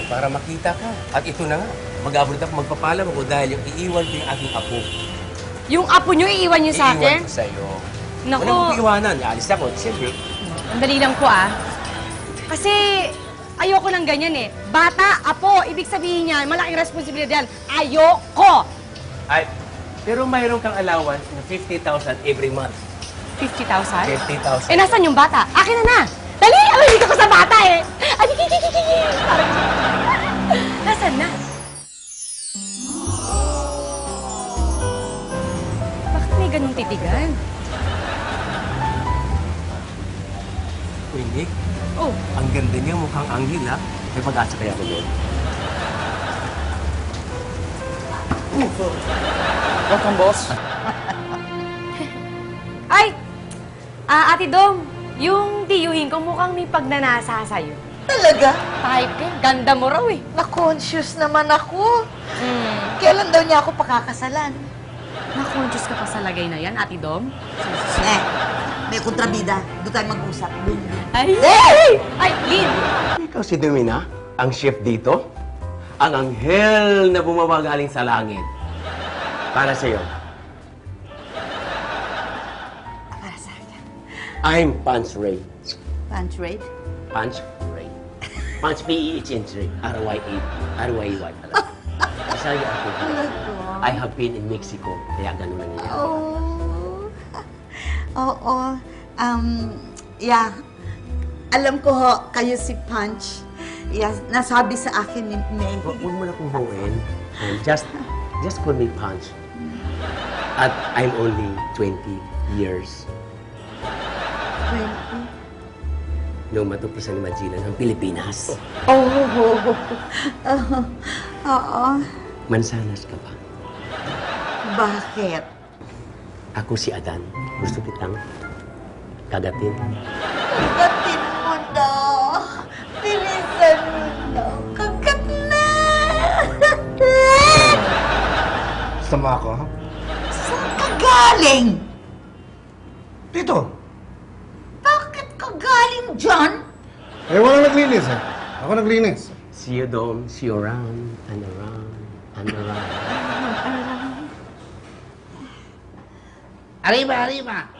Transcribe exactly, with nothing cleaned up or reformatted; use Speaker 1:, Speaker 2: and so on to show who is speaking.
Speaker 1: para makita ka. At ito na nga, mag-abroad ako, magpapalam ako dahil yung iiwan ko yung aking apo.
Speaker 2: Yung apo nyo, iiwan nyo sa akin?
Speaker 1: Iiwan ko sa'yo.
Speaker 2: Naku.
Speaker 1: Wala kong iiwanan. Alis ako. Siyempre,
Speaker 2: Ang dali lang po, ah. Kasi ayoko ng ganyan, eh. Bata, apo, ibig sabihin niyan, malaking responsibilidad yan. Ayoko!
Speaker 1: ay, pero mayroon kang allowance na fifty thousand every month.
Speaker 2: fifty thousand?
Speaker 1: fifty thousand.
Speaker 2: Eh, nasan yung bata? Akin na na! Dali! Ay, dito ko sa bata, eh! Ay, kikikikiki! Nasaan na? Bakit may ganung titigan?
Speaker 1: Uy, Nick,
Speaker 2: Oh,
Speaker 1: ang ganda niya, mukhang anghel, ha? May pag-asa kaya ko doon.
Speaker 3: Welcome, boss.
Speaker 2: ay! Ah, Ate Dong, yung tiyuhin ko mukhang may pagnanasa sa'yo.
Speaker 4: Talaga?
Speaker 2: Type ka, ganda mo raw, eh.
Speaker 4: Na-conscious naman ako.
Speaker 2: Hmm.
Speaker 4: Kailan daw niya ako pakakasalan?
Speaker 2: Na-conscious ka pa sa lagay na yan, Ate Dom?
Speaker 4: Eh, may kontrabida. Doon tayo mag-usap. Doon, doon.
Speaker 2: Ay! Ay! Ay, Lin!
Speaker 1: Ikaw si Domina, ang chef dito? Ang anghel na bumaba galing sa langit. Para sa'yo.
Speaker 4: Para sa akin.
Speaker 1: I'm Punch Ray.
Speaker 4: Punch rate?
Speaker 1: Punch Ray. Punch P E H N Ray. R Y A. R Y A Y pala. Masaya ako. I have been in Mexico, kaya ganun lang yan.
Speaker 4: Oh. Oo. Um, yeah. Alam ko ho, kayo si Punch. Yeah, nasabi sa akin ni Meg.
Speaker 1: Hu- Huwag mo na kong huwin. Um, just, just call me Punch. At I'm only twenty years.
Speaker 4: twenty.
Speaker 1: Nung matuklasan ni Magellan ang Pilipinas.
Speaker 4: Oh, oh, oh. Oh, oo.
Speaker 1: Mansanas ka ba?
Speaker 4: Bakit?
Speaker 1: Ako si Adan. Gusto kitang kagatin.
Speaker 4: Kagatin mo daw. Bilisan mo daw. Kagat na!
Speaker 3: Sama ako, ha?
Speaker 4: Saan ka galing?
Speaker 3: Dito.
Speaker 4: Bakit ka galing dyan?
Speaker 3: Eh, walang naglinis, eh. Ako naglinis.
Speaker 1: See you down, see you around, and around, and around.
Speaker 5: Arriba, arriba.